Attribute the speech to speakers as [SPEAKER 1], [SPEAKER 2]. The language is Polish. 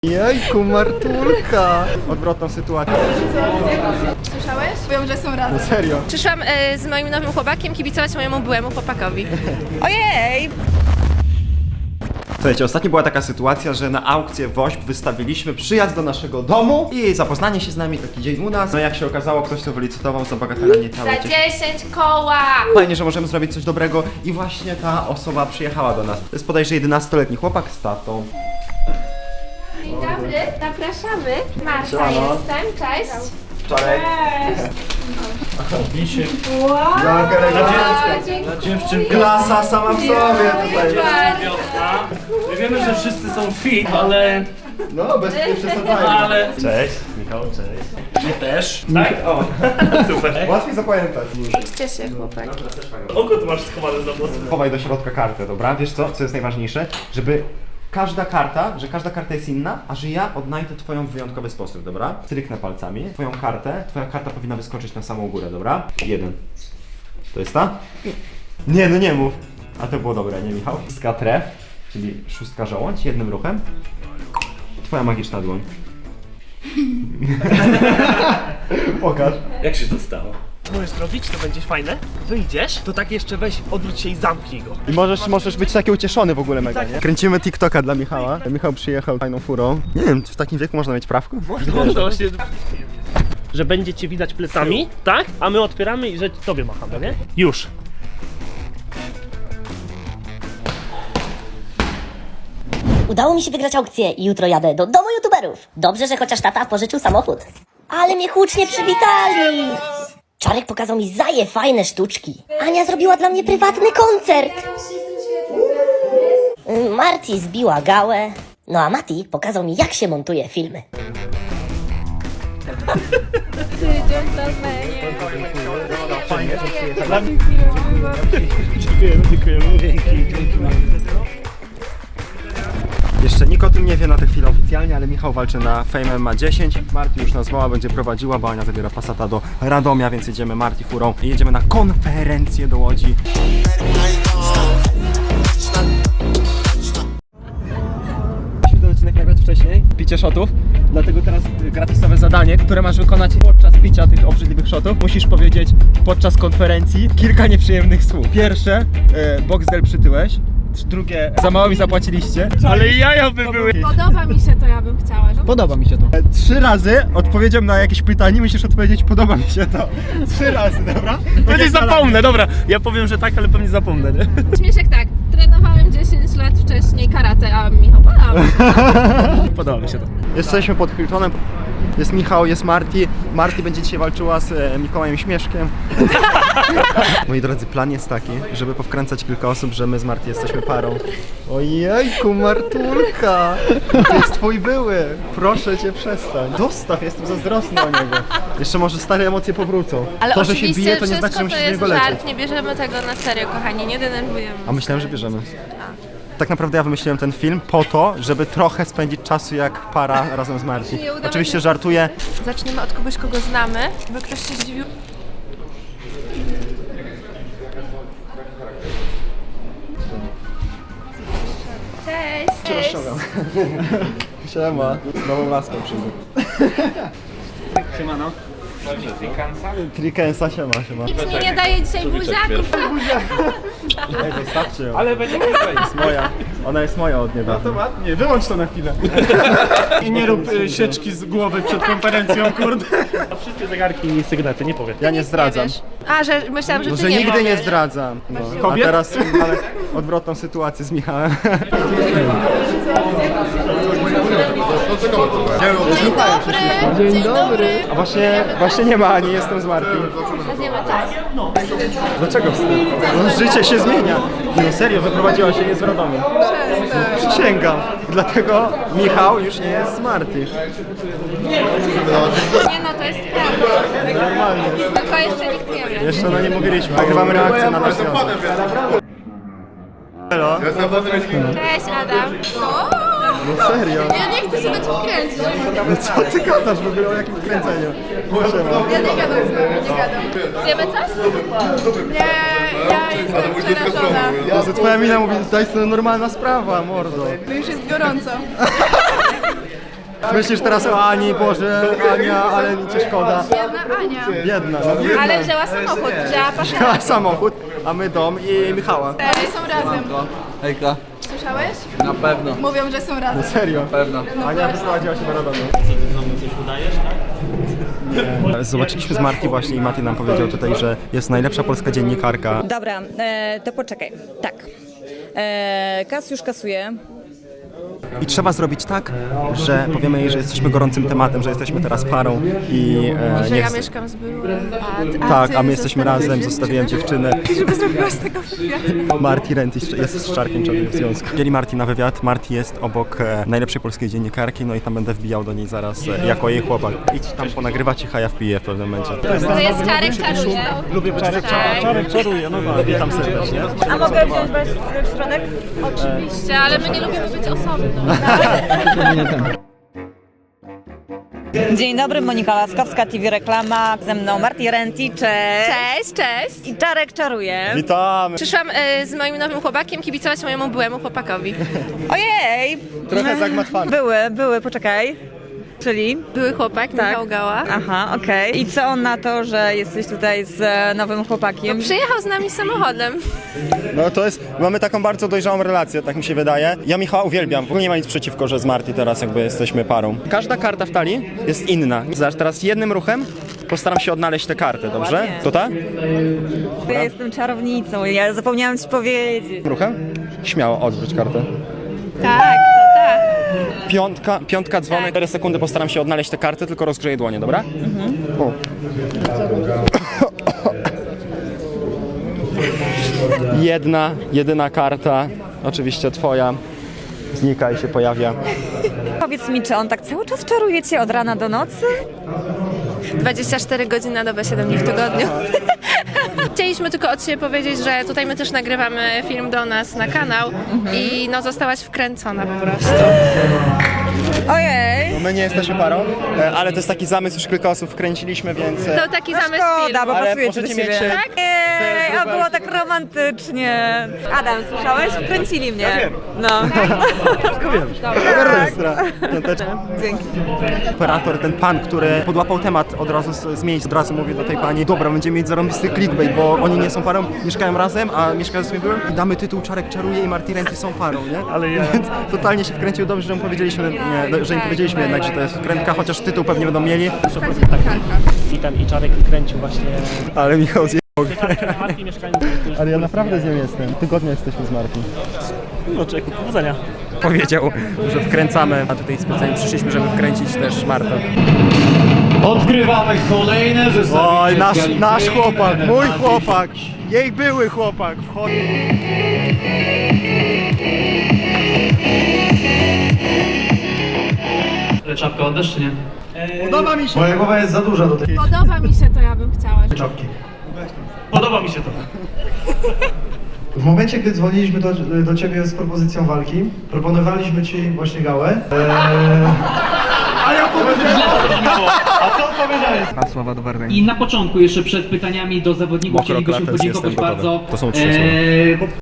[SPEAKER 1] Jejku, Martulka! Odwrotną sytuację.
[SPEAKER 2] Słyszałeś? Powiem, że są razem.
[SPEAKER 1] Serio?
[SPEAKER 3] Przyszłam z moim nowym chłopakiem kibicować mojemu byłemu chłopakowi. Ojej!
[SPEAKER 1] Słuchajcie, ostatnio była taka sytuacja, że na aukcję WOŚP wystawiliśmy przyjazd do naszego domu i zapoznanie się z nami, taki dzień u nas. No jak się okazało, ktoś to wylicytował za bagatela niecałe
[SPEAKER 3] Za 10 koła!
[SPEAKER 1] Fajnie, że możemy zrobić coś dobrego i właśnie ta osoba przyjechała do nas. To jest bodajże 11-letni chłopak z tatą.
[SPEAKER 3] Dzień dobry, zapraszamy. Marta
[SPEAKER 1] Siemano.
[SPEAKER 3] jestem, cześć.
[SPEAKER 1] Czarek.
[SPEAKER 4] Misiek.
[SPEAKER 3] Dziękuję.
[SPEAKER 4] Dziewczynka.
[SPEAKER 1] Klasa sama w sobie tutaj.
[SPEAKER 4] Wiosna. My wiemy, że wszyscy są fit, ale...
[SPEAKER 1] No, bez nie przesadzajmy.
[SPEAKER 4] ale... Cześć, Michał, cześć. My też. Tak? O, super.
[SPEAKER 1] Łatwiej zapamiętać.
[SPEAKER 3] Idźcie się, chłopaki.
[SPEAKER 4] Oko tu masz schowane za włosy.
[SPEAKER 1] Chowaj do środka kartę, dobra? Wiesz co jest najważniejsze? Żeby każda karta jest inna, a że ja odnajdę twoją w wyjątkowy sposób, dobra? Stryknę palcami twoja karta powinna wyskoczyć na samą górę, dobra? 1. To jest ta? Nie, no nie mów. A to było dobre, nie Michał? 6 tref, czyli 6 żołądź, jednym ruchem. Twoja magiczna dłoń. Pokaż.
[SPEAKER 4] Jak się to stało? Co możesz zrobić, to będzie fajne. Wyjdziesz, to tak jeszcze weź, odwróć się i zamknij go.
[SPEAKER 1] I możesz być taki ucieszony w ogóle mega, nie? Kręcimy TikToka dla Michała. Michał przyjechał fajną furą. Nie wiem, w takim wieku można mieć prawko?
[SPEAKER 4] Można właśnie... Że będzie cię widać plecami, tak? A my otwieramy i że tobie machamy, nie? Już.
[SPEAKER 5] Udało mi się wygrać aukcję i jutro jadę do domu youtuberów. Dobrze, że chociaż tata pożyczył samochód. Ale mnie hucznie przywitali! Czarek pokazał mi fajne sztuczki. Ania zrobiła dla mnie prywatny koncert. Marti zbiła gałę. No a Mati pokazał mi, jak się montuje filmy.
[SPEAKER 1] Jeszcze nikt o tym nie wie na tę chwilę oficjalnie, ale Michał walczy na Fame MMA 10. Marti już nas woła, będzie prowadziła, bo Ania zabiera Passata do Radomia, więc jedziemy Marti furą i jedziemy na konferencję do Łodzi. Musimy ten odcinek nagrać wcześniej, picie shotów, dlatego teraz gratisowe zadanie, które masz wykonać podczas picia tych obrzydliwych shotów. Musisz powiedzieć podczas konferencji kilka nieprzyjemnych słów. Pierwsze, Boxdel przytyłeś. Drugie, za mało mi zapłaciliście.
[SPEAKER 4] Ale jaja by były.
[SPEAKER 2] Podoba mi się to, ja bym chciała.
[SPEAKER 1] Podoba mi się to. 3 razy odpowiedzią na jakieś pytanie, musisz odpowiedzieć podoba mi się to. 3 razy, dobra?
[SPEAKER 4] Pewnie zapomnę, dobra. Ja powiem, że tak, ale pewnie zapomnę, nie?
[SPEAKER 2] Śmieszek tak, trenowałem 10 lat wcześniej karate, a Michał podoba.
[SPEAKER 4] Podoba mi się to.
[SPEAKER 1] Jesteśmy pod Hiltonem. Jest Michał, jest Marti. Marti będzie dzisiaj walczyła z Mikołajem Śmieszkiem. Moi drodzy, plan jest taki, żeby powkręcać kilka osób, że my z Marti jesteśmy parą. Ojejku, Martulka! To jest twój były. Proszę cię, przestań. Dostaw, jestem zazdrosny o niego. Jeszcze może stare emocje powrócą.
[SPEAKER 3] Ale
[SPEAKER 1] to, że się
[SPEAKER 3] oczywiście
[SPEAKER 1] bije, to nie
[SPEAKER 3] wszystko
[SPEAKER 1] znaczy, że musisz
[SPEAKER 3] to
[SPEAKER 1] z
[SPEAKER 3] jest
[SPEAKER 1] niego lecieć.
[SPEAKER 3] żart, nie bierzemy tego na serio, kochani, nie denerwujemy.
[SPEAKER 1] A myślałem, że bierzemy. Tak naprawdę ja wymyśliłem ten film po to, żeby trochę spędzić czasu jak para razem z Marci.
[SPEAKER 3] Nie udało
[SPEAKER 1] Oczywiście
[SPEAKER 3] się.
[SPEAKER 1] żartuję.
[SPEAKER 3] Zaczniemy od kogoś, kogo znamy, bo ktoś się zdziwił. Cześć!
[SPEAKER 1] Rozciągam. Siema. Z nową laską przyjdę.
[SPEAKER 4] Siemano.
[SPEAKER 1] Trikensa, siema.
[SPEAKER 3] Nikt mi nie daje dzisiaj buziaków.
[SPEAKER 1] Ej, zostawcie ją.
[SPEAKER 4] Ale będzie
[SPEAKER 1] Jest moja. Ona jest moja od niedawna.
[SPEAKER 4] ładnie, wyłącz to na chwilę. I nie rób sieczki z głowy przed konferencją, kurde. A wszystkie zegarki i sygnety, nie powiem.
[SPEAKER 1] Ja nie zdradzam.
[SPEAKER 3] A, że myślałam, że
[SPEAKER 1] No,
[SPEAKER 3] ty
[SPEAKER 1] że
[SPEAKER 3] nie
[SPEAKER 1] nigdy nie
[SPEAKER 3] powiesz.
[SPEAKER 1] zdradzam. No. A
[SPEAKER 4] Kobiet?
[SPEAKER 1] teraz ale odwrotną sytuację z Michałem.
[SPEAKER 3] Dzień dobry! Dzień dobry!
[SPEAKER 1] A właśnie nie ma Ani, jestem z Marti.
[SPEAKER 3] Weźmiemy coś.
[SPEAKER 1] Dlaczego wstyd? No, życie się zmienia. Nie, serio, wyprowadziła się nie z Radomia. Przysięgam. Dlatego Michał już nie jest z Marti.
[SPEAKER 3] Nie no, to jest prawda.
[SPEAKER 1] Normalnie.
[SPEAKER 3] Tylko jeszcze nikt nie wie.
[SPEAKER 1] Jeszcze nie mówiliśmy. Nagrywamy reakcję na nasz związek. Hello?
[SPEAKER 3] Cześć Adam.
[SPEAKER 1] No serio?
[SPEAKER 2] Ja nie chcę się na czym kręcić.
[SPEAKER 1] No co ty gadasz w ogóle o jakim wkręceniu?
[SPEAKER 2] Ja nie gadam z wami, nie gadam.
[SPEAKER 3] Zjemy coś?
[SPEAKER 2] Nie, ja jestem przerażona.
[SPEAKER 1] Jezu, twoja mina mówi, to jest normalna sprawa, mordo.
[SPEAKER 2] To już jest gorąco.
[SPEAKER 1] Myślisz teraz o Ani, Boże, Ania, ale mi cię szkoda.
[SPEAKER 2] Jedna Ania.
[SPEAKER 1] Jedna, no jedna.
[SPEAKER 2] Ale wzięła samochód, wzięła pasza.
[SPEAKER 1] Wzięła samochód, a my dom i Michała.
[SPEAKER 2] Oni są razem.
[SPEAKER 6] Hejka,
[SPEAKER 2] Słyszałeś?
[SPEAKER 6] na pewno,
[SPEAKER 2] Mówią, że są razem.
[SPEAKER 1] Serio?
[SPEAKER 6] pewno.
[SPEAKER 1] Ania wyprowadziła się do Radomiu. Zobaczyliśmy z Marti właśnie i Mati nam powiedział tutaj, że jest najlepsza polska dziennikarka.
[SPEAKER 7] Dobra, to poczekaj. Tak. Kas już kasuje.
[SPEAKER 1] I trzeba zrobić tak, że powiemy jej, że jesteśmy gorącym tematem, że jesteśmy teraz parą i
[SPEAKER 2] Że
[SPEAKER 1] nie
[SPEAKER 2] ja
[SPEAKER 1] chcę-
[SPEAKER 2] mieszkam z byłym,
[SPEAKER 1] Tak,
[SPEAKER 2] ty
[SPEAKER 1] a my jesteśmy
[SPEAKER 2] zostawiłeś
[SPEAKER 1] razem, zostawiłem dziewczynę.
[SPEAKER 2] Żeby zrobiła z tego wywiad.
[SPEAKER 1] Marti Renty jest z Czarkiem Czarnym w związku. Wzięli Marti na wywiad, Marti jest obok najlepszej polskiej dziennikarki, no i tam będę wbijał do niej zaraz jako jej chłopak. Idź tam ponagrywać i ja wpiję w pewnym momencie.
[SPEAKER 2] To jest Czarek czaruje.
[SPEAKER 4] Lubię Czarek, Czarek czaruje, no tak. Witam serdecznie.
[SPEAKER 7] A mogę wziąć was w środek?
[SPEAKER 2] Oczywiście, ale my nie lubimy być osobno.
[SPEAKER 7] Dzień dobry, Monika Laskowska, TV Reklama. Ze mną Marti Renty, cześć.
[SPEAKER 2] Cześć.
[SPEAKER 7] I Czarek czaruje.
[SPEAKER 1] Witamy!
[SPEAKER 3] Przyszłam z moim nowym chłopakiem kibicować mojemu byłemu chłopakowi.
[SPEAKER 7] Ojej!
[SPEAKER 1] Trochę zagmatwany.
[SPEAKER 7] Były, poczekaj. Czyli?
[SPEAKER 3] Były chłopak, Michał Gała.
[SPEAKER 7] Aha, okej. I co on na to, że jesteś tutaj z nowym chłopakiem?
[SPEAKER 3] Przyjechał z nami samochodem.
[SPEAKER 1] No to jest, mamy taką bardzo dojrzałą relację, tak mi się wydaje. Ja Michała uwielbiam, w ogóle nie ma nic przeciwko, że z Marti teraz jakby jesteśmy parą. Każda karta w talii jest inna. Zobacz, teraz jednym ruchem postaram się odnaleźć tę kartę, dobrze?
[SPEAKER 7] Ładnie.
[SPEAKER 1] To ta?
[SPEAKER 7] Ja jestem czarownicą, ja zapomniałam ci powiedzieć.
[SPEAKER 1] Ruchem? Śmiało odwróć kartę.
[SPEAKER 3] Tak, to tak.
[SPEAKER 1] Piątka dzwonek, 4 sekundy postaram się odnaleźć tę kartę, tylko rozgrzeję dłonie, dobra? O. Jedyna karta, oczywiście twoja, znika i się pojawia.
[SPEAKER 7] Powiedz mi, czy on tak cały czas czaruje cię od rana do nocy?
[SPEAKER 3] 24 godziny na dobę, 7 dni w tygodniu. Chcieliśmy tylko od siebie powiedzieć, że tutaj my też nagrywamy film do nas na kanał i no zostałaś wkręcona po prostu.
[SPEAKER 7] Ojej!
[SPEAKER 1] My nie jesteśmy parą, ale to jest taki zamysł, już kilka osób wkręciliśmy, więc...
[SPEAKER 3] To taki zamysł
[SPEAKER 7] Szkoda,
[SPEAKER 3] filmu.
[SPEAKER 7] bo
[SPEAKER 1] Ale
[SPEAKER 7] pasujecie do
[SPEAKER 1] możecie
[SPEAKER 7] siebie.
[SPEAKER 1] mieć,
[SPEAKER 7] Tak? Ej, a było tak romantycznie. Adam, słyszałeś? Wkręcili mnie. No.
[SPEAKER 1] Ekstra.
[SPEAKER 7] Dzięki.
[SPEAKER 1] Operator, ten pan, który podłapał temat od razu z miejsc, od razu mówi do tej pani: dobra, będziemy mieć zarąbisty clickbait, bo oni nie są parą, mieszkają razem, a mieszkają z byłem i damy tytuł Czarek czaruje i Marti Renty są parą, nie?
[SPEAKER 4] Ale ja...
[SPEAKER 1] Więc totalnie się wkręcił, dobrze, że im powiedzieliśmy, że im powiedzieliśmy jednak, że to jest wkrętka, chociaż tytuł pewnie będą mieli.
[SPEAKER 4] I Czarek kręcił właśnie...
[SPEAKER 1] Ale Michał zje...
[SPEAKER 4] Marki mieszkają...
[SPEAKER 1] Ale ja naprawdę z nią jestem. Tygodnia jesteśmy z Marti.
[SPEAKER 4] No człowieku, powodzenia.
[SPEAKER 1] Powiedział, że wkręcamy, a tutaj specjalnie przyszliśmy, żeby wkręcić też Martę.
[SPEAKER 8] Odkrywamy kolejne zestawienie.
[SPEAKER 1] Oj, nasz
[SPEAKER 8] Galicji.
[SPEAKER 1] chłopak, mój chłopak, jej były chłopak.
[SPEAKER 8] Czapkę oddasz czy nie?
[SPEAKER 1] Podoba mi się.
[SPEAKER 8] Moja głowa jest za duża do tej
[SPEAKER 2] Podoba mi się to, ja bym chciała.
[SPEAKER 8] czapki.
[SPEAKER 4] Podoba mi się to.
[SPEAKER 9] W momencie, gdy dzwoniliśmy do Ciebie z propozycją walki, proponowaliśmy Ci właśnie gałę.
[SPEAKER 8] I na początku, jeszcze przed pytaniami do zawodników,
[SPEAKER 1] Mokro
[SPEAKER 8] chcielibyśmy
[SPEAKER 1] klates,
[SPEAKER 8] podziękować
[SPEAKER 1] jestem gotowy.
[SPEAKER 8] bardzo
[SPEAKER 1] To są 3 słowa.